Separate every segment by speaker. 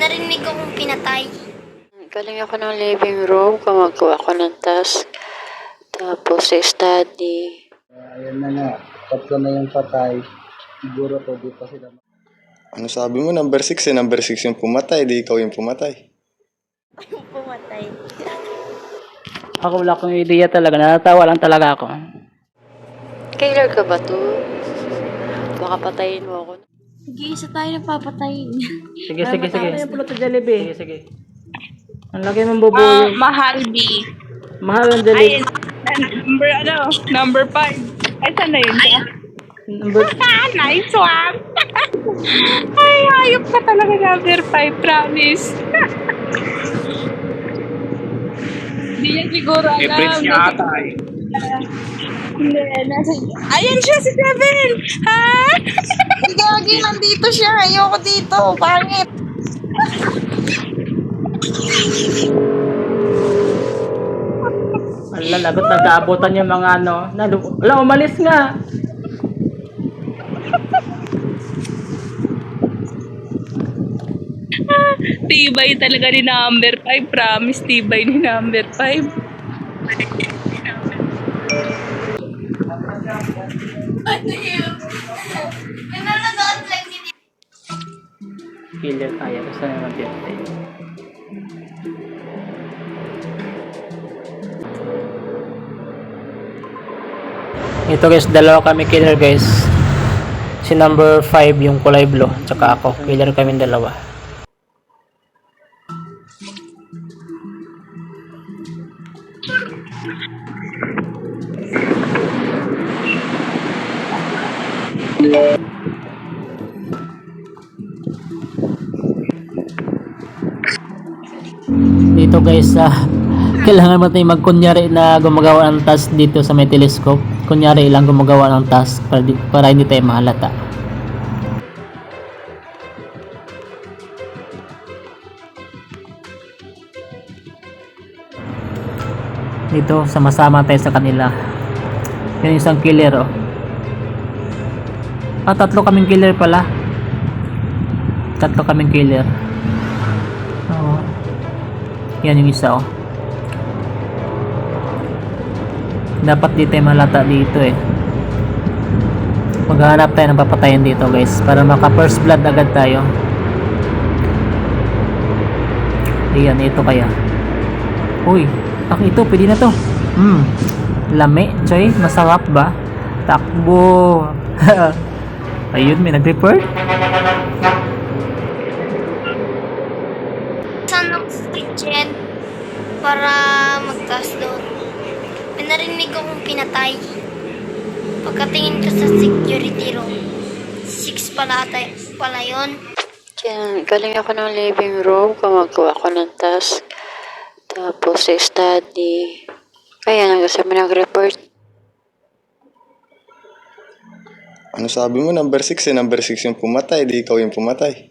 Speaker 1: narinig akong pinatay.
Speaker 2: Galing ako ng living room, gumagawa ako ng task. Tapos sa study.
Speaker 3: Ayan na nga, tatlo na yung patay. Siguro to, di pa sila.
Speaker 4: Ano sabi mo? Number 6 eh. Number 6 yung pumatay. Di ikaw yung pumatay.
Speaker 1: Yung pumatay.
Speaker 5: Ako wala akong ideya talaga. Natatawa lang talaga ako.
Speaker 2: Killer ka ba to? Baka patayin mo ako.
Speaker 1: Nag-iisa tayo na papatayin.
Speaker 5: Sige.
Speaker 1: Sige.
Speaker 5: Yung pulot sa Jollibee. Sige. Ang laki ng bubuyo.
Speaker 6: Mahal B.
Speaker 5: Mahal ang Jollibee.
Speaker 6: Number 5. Ay, saan na yun? Nice one. Ay, hayop ka talaga number 5, promise. Hindi niya siguro alam. I-prints niya ata eh. Hindi, ayan siya si Kevin! Ha? Gagi, nandito siya. Ayoko dito. Pangit.
Speaker 5: Ala, lagot nagkaabutan yung mga ano. Wala, umalis nga.
Speaker 6: Tibay talaga ni number 5. Promise, tibay ni number 5.
Speaker 5: Killer tayo. Gusto naman pinatay. Ito guys, dalawa kami killer guys. Si number 5 yung kulay blue, tsaka ako. Killer kami dalawa. Dito guys, kailangan mo tayong magkunyari na gumagawa ng task dito sa may telescope. Kunyari lang gumagawa ng task para hindi tayo mahalata. Dito, sama-sama tayo sa kanila. Yan yung isang killer oh. Tatlo kaming killer pala. Tatlo kaming killer. Oo. Yan yung isa oh. Dapat di tayo malata dito eh. Maghanap tayo ng papatayin dito guys, para maka first blood agad tayo. Ayan, ito kaya. Uy, ito, pwede na to. Lami, choy, masarap ba? Takbo. Ayun, may nag-report.
Speaker 1: Saan ako sa kitchen para magtaas doon. May narinig akong pinatay. Pagkatingin ko sa security room, 6 pala yun.
Speaker 2: Yan, galing ako ng living room, gumagawa ako ng task. Tapos sa study. Kaya kasi may nag-report.
Speaker 4: Ano sabi mo? Number 6 eh. Number 6 yung pumatay. Di ikaw yung pumatay.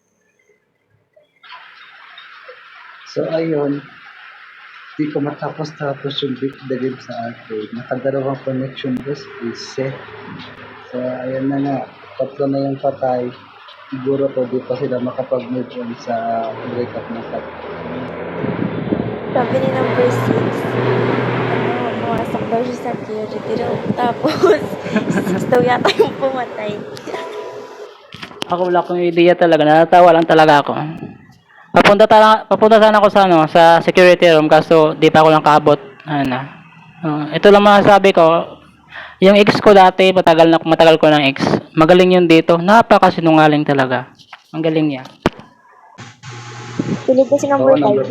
Speaker 3: So ayun, di ko matapos-tapos yung beat the game sa arcade. Nakadalawang connection guys, reset. So ayan na nga, tatlo na yung patay. Siguro to, di pa sila makapag-move on sa breakup na sa.
Speaker 7: Sabi ni number 6, pumasok daw siya sa security room. Tapos, 6 daw yata yung pumatay.
Speaker 5: Ako wala akong ideya talaga. Natatawa lang talaga ako. Papunta sana ako sa sa security room kaso di pa ako lang kaabot. Ito lang masasabi ko. Yung ex ko dati, matagal ko ng ex. Magaling yun dito. Napakasinungaling talaga. Ang galing niya.
Speaker 7: Pilit ko si number 5.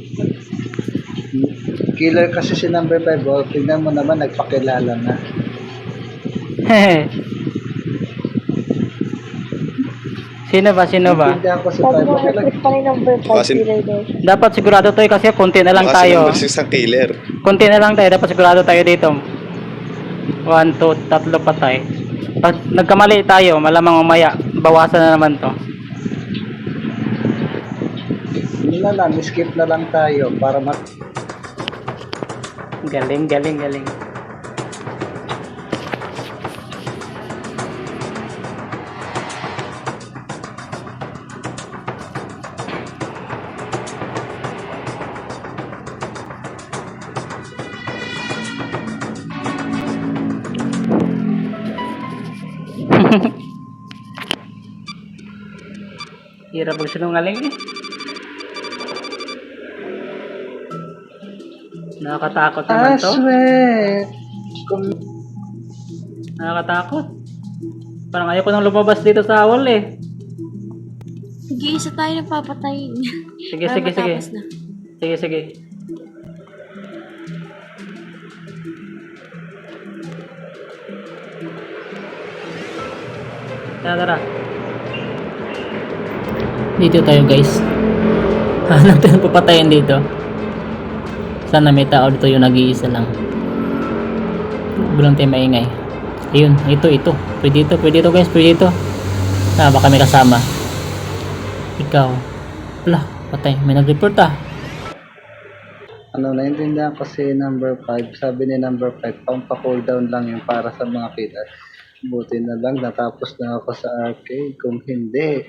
Speaker 3: Killer kasi si number 5. Oh, tingnan mo naman, nagpakilala na.
Speaker 5: Sino ba?
Speaker 3: Hindi ako si
Speaker 7: Sabi
Speaker 3: 5.
Speaker 7: mo, recruit pa ni number 5
Speaker 4: Kasi-
Speaker 7: killer daw.
Speaker 5: Dapat sigurado tayo kasi konti na lang
Speaker 4: Baka si
Speaker 5: tayo.
Speaker 4: number 6 ang killer.
Speaker 5: Konti na lang tayo. Dapat sigurado tayo dito. 1, 2, 3 patay. Pag nagkamali tayo, malamang umaya. Bawasan na naman to.
Speaker 3: Yun na lang, skip na lang tayo para
Speaker 5: Galing. Hirap magsinungaling eh. Nakakatakot naman to.
Speaker 3: Aswet!
Speaker 5: Nakakatakot. Parang ayoko nang lumabas dito sa wall eh.
Speaker 7: Nag-iisa tayo na papatayin.
Speaker 5: Sige,
Speaker 7: Para
Speaker 5: sige, sige.
Speaker 7: matapos na.
Speaker 5: Sige, sige. Tara, tara. Dito tayo guys. Hanap tayo ng papatayan dito. Sana may tao dito yung nag-iisa lang. Bilang tayo maingay. Ayun, ito. Pwede ito guys, pwede ito. Baka may kasama. Ikaw. Wala, patay. May nag-report ah.
Speaker 3: Ano, naintindihan ko si number 5. Sabi ni number 5, pampa-cool down lang yung para sa mga killer. Buti na lang, natapos na ako sa arcade. Kung hindi,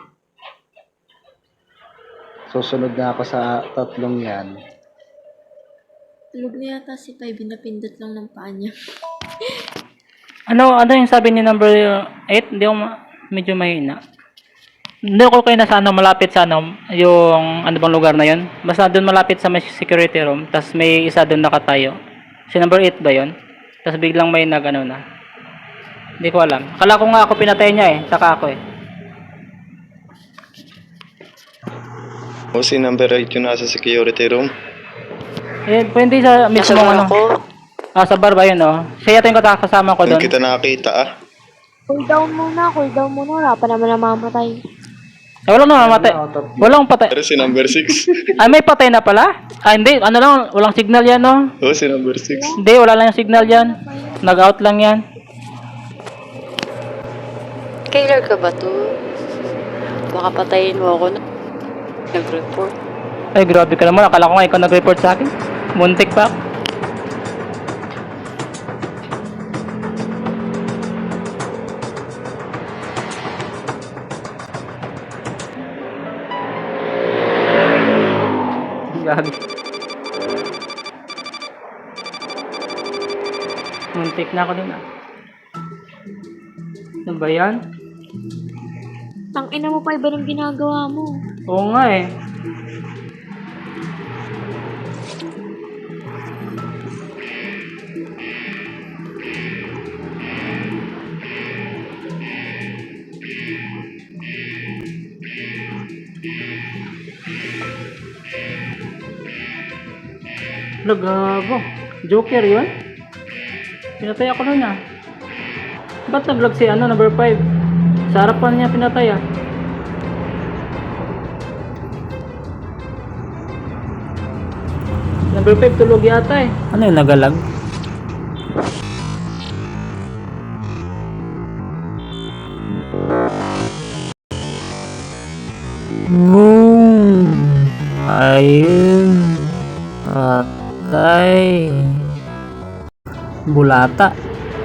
Speaker 3: susunod na ako sa tatlong yan.
Speaker 7: Tulog na yata si Pai, binapindot lang ng paa niya.
Speaker 5: Ano yung sabi ni number 8? Hindi ako medyo mahina. Hindi ako kayo nasa malapit sa yung ano bang lugar na yun. Basta doon malapit sa may security room. Tapos may isa doon nakatayo. Si number 8 ba yun? Tapos biglang may na. Hindi ko alam. Akala ko nga ako pinatay niya eh. Saka ako eh.
Speaker 4: O si number 8 yung nasa security room.
Speaker 5: Eh, pwede sa mismo
Speaker 2: Nasa ako.
Speaker 5: Sa bar ba yun Siya yata yung kasama ko
Speaker 4: Hindi
Speaker 5: doon.
Speaker 4: kita nakakita
Speaker 7: Cool down muna. Wala pa naman namamatay.
Speaker 5: Walang namamatay. Walang patay.
Speaker 4: Pero si number 6.
Speaker 5: Ay, may patay na pala? Hindi. Ano lang, walang signal yan
Speaker 4: O si number 6.
Speaker 5: Hindi, wala lang yung signal yan. Nag-out lang yan.
Speaker 2: Killer ka ba to? Baka patayin mo ako na. Nag-report.
Speaker 5: Ay, grabe ka naman. Akala ko nga ikaw nag-report sa akin. Muntik pa. Gagi. Muntik na ako dun Ano ba yan?
Speaker 7: Tangina mo pa, iba ng ginagawa mo.
Speaker 5: Oo nga eh. Gago. Joker yun? Pinatay ako nun Ba't nag-vlog si number 5? Sa harapan niya pinatay Number 5 tulog yata Ano yung nagalag? Ayun. Patay. Bulata.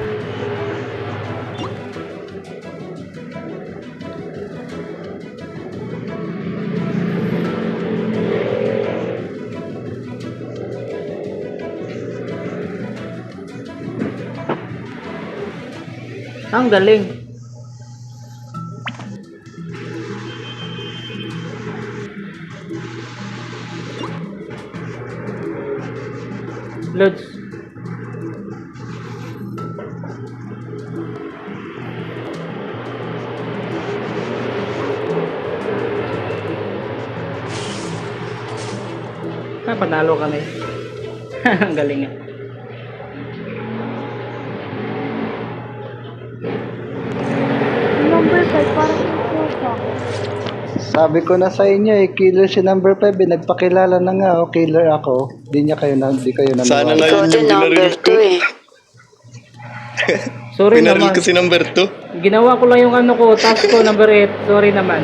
Speaker 5: Ang galing. Lods. Panalo kami. Ang galing nga.
Speaker 7: Number 5, parang ito.
Speaker 3: Sabi ko na sa inyo killer si number 5 nagpakilala na nga killer ako. Di kayo naniwala.
Speaker 4: Sana na
Speaker 2: Ikaw
Speaker 4: yun
Speaker 2: din
Speaker 4: yung
Speaker 2: number
Speaker 4: binaril ko.
Speaker 2: 2
Speaker 5: Sorry
Speaker 4: Binaril
Speaker 5: naman.
Speaker 4: ko si number 2.
Speaker 5: Ginawa ko lang yung task ko, number 8. Sorry naman.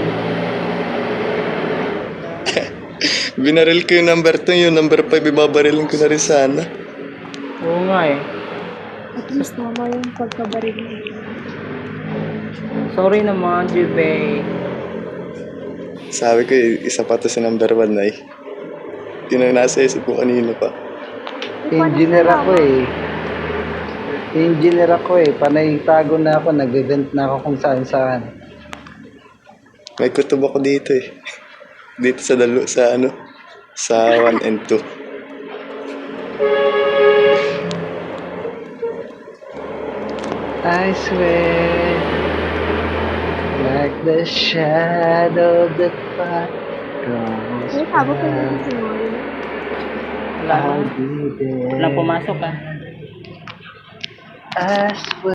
Speaker 4: Binaril ko yung number 2, yung number 5 ibabarilin ko na rin sana.
Speaker 5: Oo nga eh.
Speaker 7: At mas tama yung pagkabaril mo.
Speaker 5: Sorry naman, Jube.
Speaker 4: Sabi ko isa pa to si number 1 ay. Yun ang nasa isip ko kanina pa.
Speaker 3: Engineer ako Panay tago na ako. Nag-event na ako kung saan saan.
Speaker 4: May kutob ako dito eh. Dito sa sa 1 and 2.
Speaker 3: I swear, like the shadow that follows
Speaker 6: Ay, sabi ko
Speaker 3: by,
Speaker 6: na si Mori.
Speaker 5: Wala
Speaker 3: I'll be there.
Speaker 5: Walang pumasok ah.
Speaker 3: I swear.